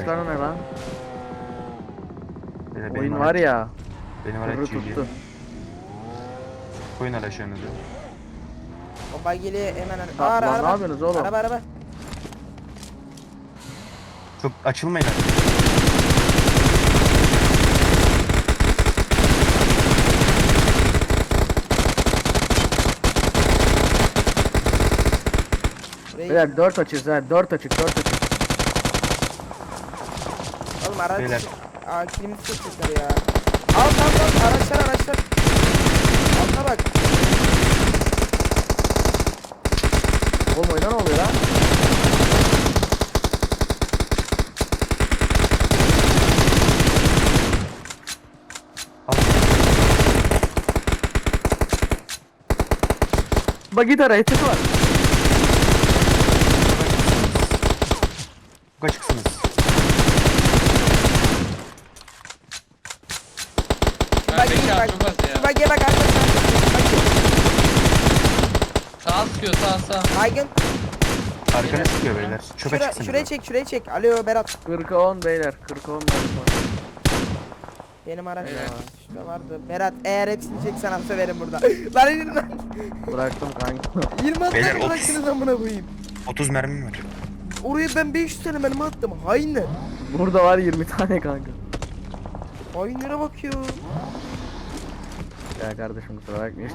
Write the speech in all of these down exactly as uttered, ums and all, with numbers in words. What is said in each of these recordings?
tuşları ne lan? Beyler, benim Oyun araç- var ya. Benim Kıvrı araç tuttu. tuttu. Koyun araçlarınızı. O bagili hemen Lan- Aa, ara, lan ne araba. yapıyorsunuz oğlum? Araba araba. Çok açılmayın artık. Buraya Beyler dört açız ha, dört açık, dört açık. oğlum araç. Beyler. Aa kilimiz çekecekler ya. Al al al araçlar araçlar. Altına bak. Oğlum oyuna ne oluyor lan? Al. Bak git araya tık var. Çok açıksınız. Ben Bak beş bak. artı bas Şu ya. bagiye bak arkadaşlar. Sağ sıkıyor sağ sağ. Baygın. Arkana sıkıyor beyler. Çok Şura, açıksınız. şuraya çek şuraya çek. Alo Berat. kırka on beyler, kırka on benim var. Benim araç Evet. ya. Şurada vardı. Berat eğer hepsini çek sana söverim burada. Lan indir lan. Bıraktım kanka. yirmi Beyler, atlar otuz. bıraktınız amına koyayım. otuz mermim var. Oraya ben beş yüz tane mermi attım. Hainler. Burada var yirmi tane kanka. Hainlere bakıyor. Ya kardeşim kusura bakmayın.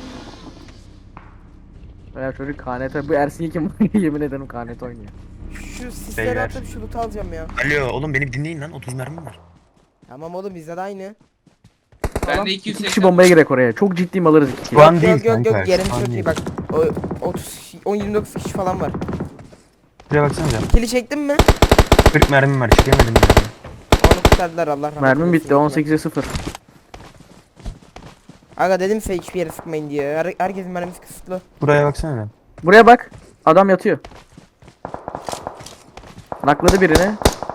Ya çocuk K N T, bu Ersin kim yemin ederim K N T oynuyor. Şu sisleri Beyler. atıp şu loot alacağım ya. Alo oğlum beni bir dinleyin lan. otuz mermim var. Tamam oğlum bizde de aynı. Ben de İki iki yüz kişi seksen. bombaya girek oraya. Çok ciddiyim alırız iki kişi. Şu an Yok değil yok yok kanka. yok yerim şu an çok iyi değil. bak. O otuz on yirmi dokuz kişi falan var. Şuraya baksanıza. Kili çektin mi? kırk mermim var. Çekemedim yani. Onu kurtardılar Allah rahmet Mermim eylesin. bitti on sekize sıfır. Aga dedim size hiçbir yere sıkmayın diye. Her, herkesin mermisi kısıtlı. Buraya baksana. Buraya bak. Adam yatıyor. Nakladı birini.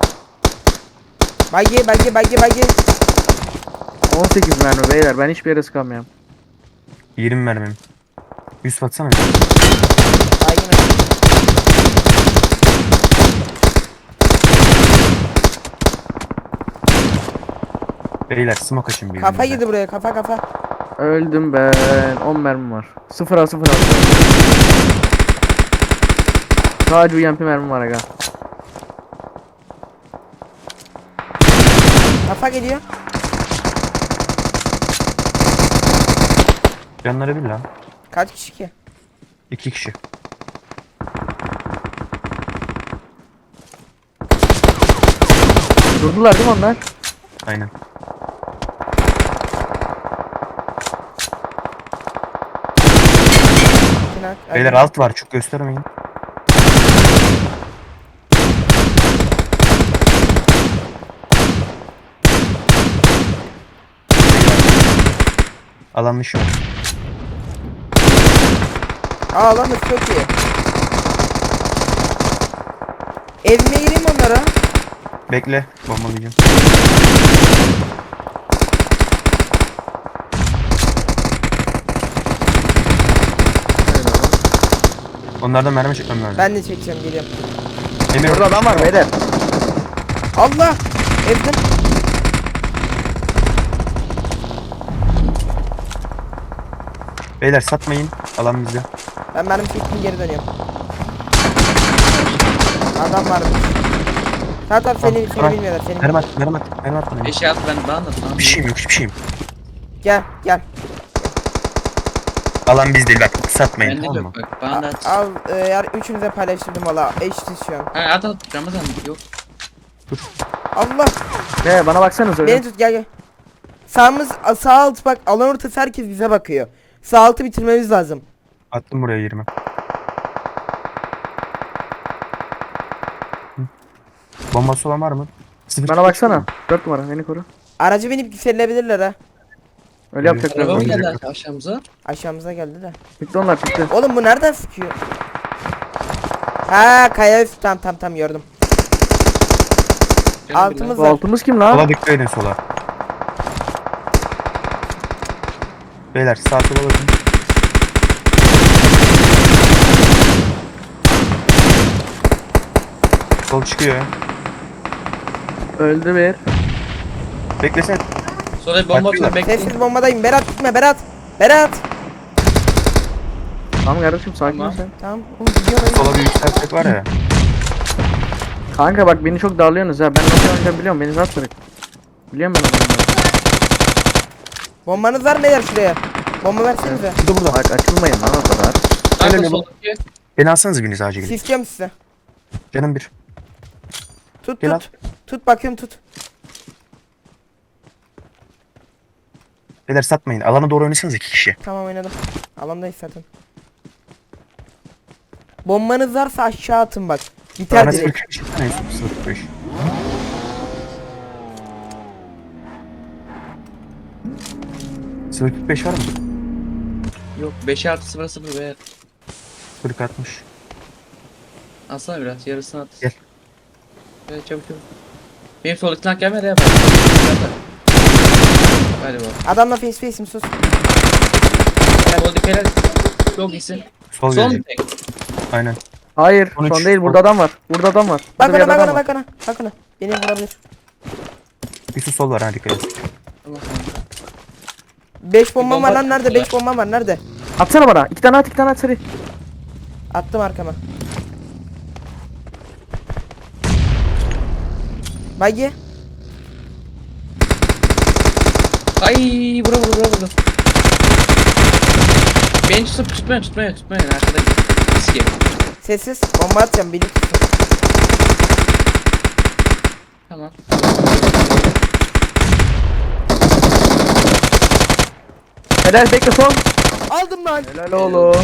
Bagi bagi bagi bagi. on sekiz mermi beyler, ben hiçbir yere sıkamıyorum. yirmi mermim. yüz baksana. Baygın. Beyler smoke açın bir. Kafa girdi buraya kafa kafa. Öldüm ben. on mermim var. sıfır a sıfır a. Sadece U M P mermim var aga. Kafa geliyor. Canları bir lan. Kaç kişi ki? İki kişi. Durdular değil mi onlar? Aynen. Kinak. Beyler alt var. Çok göstermeyin. Alan dışı var. Aa lan çok iyi. Evime gireyim onlara. Bekle. Bombalayacağım. Onlardan mermi çekmem lazım. Ben de çekeceğim geliyorum. Emir Burada adam var beyler. Allah! Evden. Beyler satmayın. Alan bizde. Ben mermi çektim geri dönüyorum. Adam varmış. Tamam tamam seni, seni Tamam. bilmiyorlar seni Mermi bilmiyorlar. at. Mermi at. Mermi at bana. Beş at ben bana da tamam. Bir şeyim yok. Hiçbir şeyim. Gel gel. Alan biz değil. Bak satmayın. Bende Tamam mı? yok bak bana da at. Al e, yar üçünüze paylaştırdım valla. Eşitiz şu an. Ha, at at Ramazan yok. Allah! He bana baksanıza öyle. Beni tut gel gel. Sağımız sağ alt bak alan ortası herkes bize bakıyor. Sağ altı bitirmemiz lazım. Attım buraya yirmi. Hı. Bombası olan var mı? Sıfır Bana çıkıyor baksana. mu? dört numara beni koru. Aracı binip yükselebilirler ha. Öyle yapacaklar. Araba mı zaten. geldi aşağımıza? Aşağımıza geldi de. Bitti onlar bitti. Oğlum bu nereden sıkıyor? Ha kaya üstü tam tam tam gördüm. Canım Altımız Bu var. altımız kim lan? Sola dikkat edin sola. Beyler sağ sola bakın. Sol çıkıyor. Öldü bir. Beklesene. Sonra bir bomba atıyorum bekleyin. Sessiz bombadayım. Berat gitme Berat. Berat. Tamam kardeşim sakin ol Tamam. sen. Tamam. Oğlum gidiyor lan. Sola bir yükseltecek var ya. Kanka bak beni çok darlıyorsunuz ya. Ben nasıl oynayacağım biliyorum. Beni rahat bırak. Biliyorum ben onu. Bombanız var mı beyler şuraya? Bomba versenize. Burada burada. Bak açılmayın lan o kadar. Kanka Öyle mi? soldaki. Beni alsanız biriniz acil gidin. Sisleyeceğim size. Canım bir. Tut Gel tut. Tut bakıyorum tut. Beyler satmayın. Alana doğru oynasanız iki kişi. Tamam oynadım. Alandayız zaten. Bombanız varsa aşağı atın bak. Biter Bana direkt. sıfır kırk beş. sıfır kırk beş. sıfır kırk beş var mı? Yok beş artı sıfır sıfır be. kırk altmış. Alsana biraz yarısını at. Gel. Evet çabuk çabuk. Benim soldaki tank gelmedi ya. Hadi bak. Adamla face face'im sus. Soldaki helal. Çok iyisin. Sol Son gelecek. tek. Aynen. Hayır on üç. son değil burada adam var. Burada adam var. Bak Burada bir ona bak adam ona var. bak ona. Bak ona. Beni vurabilir. Yusuf sol var ha dikkat et. Tamam kanka. beş bombam bomba var lan nerede? attılar. beş bombam var nerede? Atsana bana. İki tane at iki tane at seri. Attım arkama. Bagi. Ay vura vura vura vura. Beni tutup tutmayın tutmayın tutmayın arkada. Riski. Sessiz. Bomba atacağım. Beni tutsun. Tamam. Helal bekle son. Aldım lan. Helal oğlum.